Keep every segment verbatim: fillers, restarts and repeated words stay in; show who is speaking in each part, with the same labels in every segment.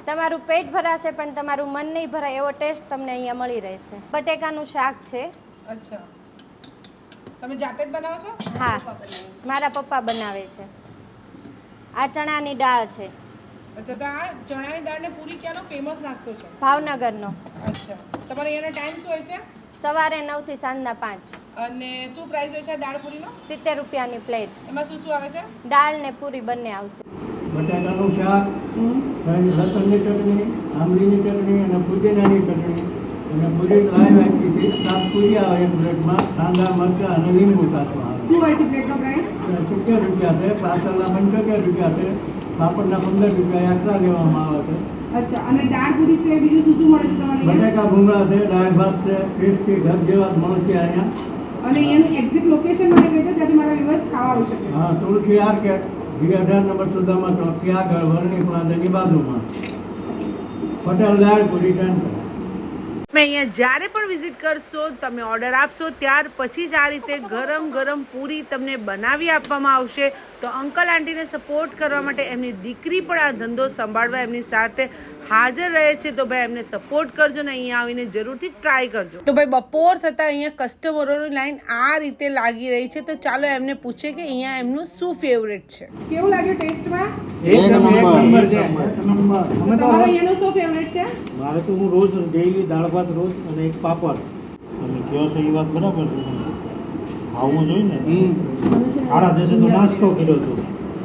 Speaker 1: તમારું પેટ ભરાશે પણ તમારું મન નહીં ભરાય એવો ટેસ્ટ તમને અહીંયા મળી રહેશે. બટેકાનું શાક છે.
Speaker 2: અચ્છા, તમે જાતે જ બનાવો છો?
Speaker 1: હા, મારા પપ્પા બનાવે છે. આ ચણાની દાળ છે.
Speaker 2: અચ્છા, તો આ ચણાની દાળ ને પૂરી ક્યાંનો ફેમસ નાસ્તો છે?
Speaker 1: ભાવનગરનો.
Speaker 2: અચ્છા, તમારે અહીંયાનો ટાઈમ શું હોય છે?
Speaker 1: સવારે નવ થી સાંજના પાંચ.
Speaker 2: અને શું પ્રાઇસ હોય છે દાળ પૂરીનો?
Speaker 1: સિત્તેર રૂપિયાની પ્લેટ.
Speaker 2: એમાં શું શું આવે છે?
Speaker 1: દાળ ને પૂરી બંને આવશે.
Speaker 3: બટાકાનું શાક, લસણની ચટણી, આંબલીની ચટણી અને પુદીનાની ચટણી અને પૂરી લાઈવ આપી છે. સાત પૂરી આવે એક પ્લેટમાં, કાંદા મરચાં અને લીંબુ કાચવા આવે.
Speaker 2: શું હોય છે પ્લેટનો પ્રાઇસ?
Speaker 3: સિત્તેર રૂપિયા છે, પાછળના પંચોતેર રૂપિયા છે, પાપડના પંદર રૂપિયા એક્સ્ટ્રા લેવામાં આવે છે.
Speaker 2: અચ્છા, અને દાળ પૂરી સિવાય બીજું શું શું મળે છે તમારે?
Speaker 3: બટાકા ભૂંગળા છે, દાળ ભાત છે, ક્રિસ્પી ઘર જેવા જ મળશે અહીંયા.
Speaker 2: અને એનું એક્ઝેક્ટ લોકેશન મને કહી દો ત્યાંથી મારા વ્યુઅર્સ ખાવા આવી શકે.
Speaker 3: હા, તુલસી આર્કેટ વી અઢાર નંબર સુધામાં ચોથી આગળ વર્ણી પ્લાઝાની બાજુમાં પટેલ દાળ પૂરી સેન્ટર.
Speaker 4: તમે અહીંયા જ્યારે પણ વિઝિટ કરશો, તમે ઓર્ડર આપશો ત્યાર પછી જ આ રીતે ગરમ ગરમ પૂરી તમને બનાવી આપવામાં આવશે. તો અંકલ આંટીને સપોર્ટ કરવા માટે એમની દીકરી પણ આ ધંધો સંભાળવા એમની સાથે હાજર રહે છે. તો ભાઈ એમને સપોર્ટ કરજો ને અહીંયા આવીને જરૂરથી ટ્રાય કરજો. તો ભાઈ બપોર થતાં અહીંયા કસ્ટમરોની લાઈન આ રીતે લાગી રહી છે. તો ચાલો એમને પૂછે કે અહીંયા એમનું શું ફેવરેટ છે. કેવું લાગ્યું ટેસ્ટમાં?
Speaker 3: એક નંબર છે, એક નંબર. અમે તો
Speaker 2: તમારો અહીંયાનો શું ફેવરેટ છે?
Speaker 3: મારે તો હું રોજ ડેઈલી દાળ ભાત રોજ અને એક પાપડ. તમે કહો છો એ વાત બરાબર છે, ખાવું જોઈએ ને. સાડા દસે તો નાસ્તો કર્યો હતો.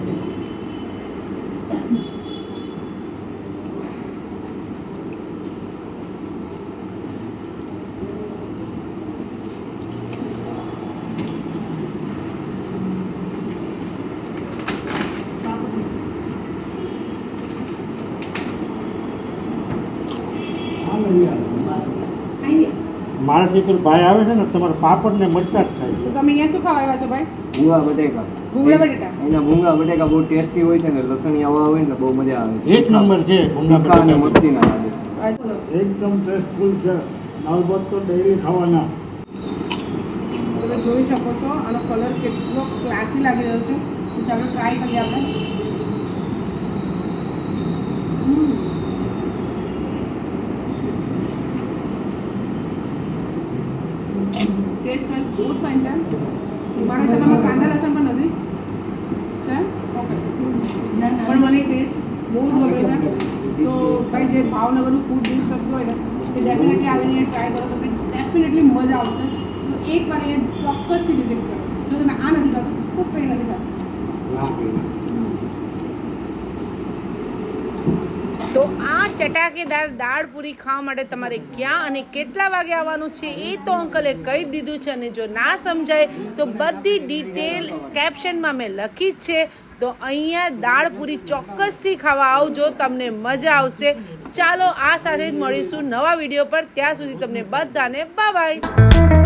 Speaker 3: મારાથી પેલો ભાઈ આવે છે ને, તમારે પાપડ ને મરચાં જ ખાય.
Speaker 2: તો તમે અહીંયા શું ખાવા આવ્યા છો ભાઈ?
Speaker 5: ભૂંગળા બટેકા.
Speaker 2: ભૂંગળા બટેટા.
Speaker 5: એના ભૂંગળા બટેકા બહુ ટેસ્ટી હોય છે ને, લસણિયા હોય ને બહુ મજા આવે છે.
Speaker 3: એક નંબર છે
Speaker 5: તીખા અને મસ્તી ના લાગે છે.
Speaker 3: એકદમ ટેસ્ટફુલ છે. દાળ ભાત તો ડેઈલી ખાવાના.
Speaker 2: તમે જોઈ શકો છો આનો કલર કેટલો ક્લાસી લાગી રહ્યો છે. તો ચાલો ટ્રાય કરીએ આપણે. ટેસ્ટ વાઇઝ બહુ જ ફાઇન છે. મારા જમામાં કાંદા લસણ પણ નથી છે. ઓકે, પણ મને ટેસ્ટ બહુ જ ગમે છે. તો ભાઈ જે ભાવનગરનું ફૂડ ડિશ કરતું હોય ને એ ડેફિનેટલી આવીને ટ્રાય કરો. તમને ડેફિનેટલી મજા આવશે. તો એકવાર એ ચોક્કસથી વિઝિટ કરો. જો તમે આ નથી કરતો ખૂબ કંઈ નથી કરતો.
Speaker 4: તો આ ચટાકેદાર દાળ પૂરી ખાવા માટે તમારે ક્યાં અને કેટલા વાગે આવવાનું છે એ તો અંકલે કહી દીધું છે. અને જો ના સમજાય તો બધી ડિટેલ કેપ્શનમાં મેં લખી જ છે. તો અહીંયા દાળ પૂરી ચોક્કસથી ખાવા આવજો, તમને મજા આવશે. ચાલો આ સાથે જ મળીશું નવા વિડીયો પર. ત્યાં સુધી તમને બધાને બાય બાય.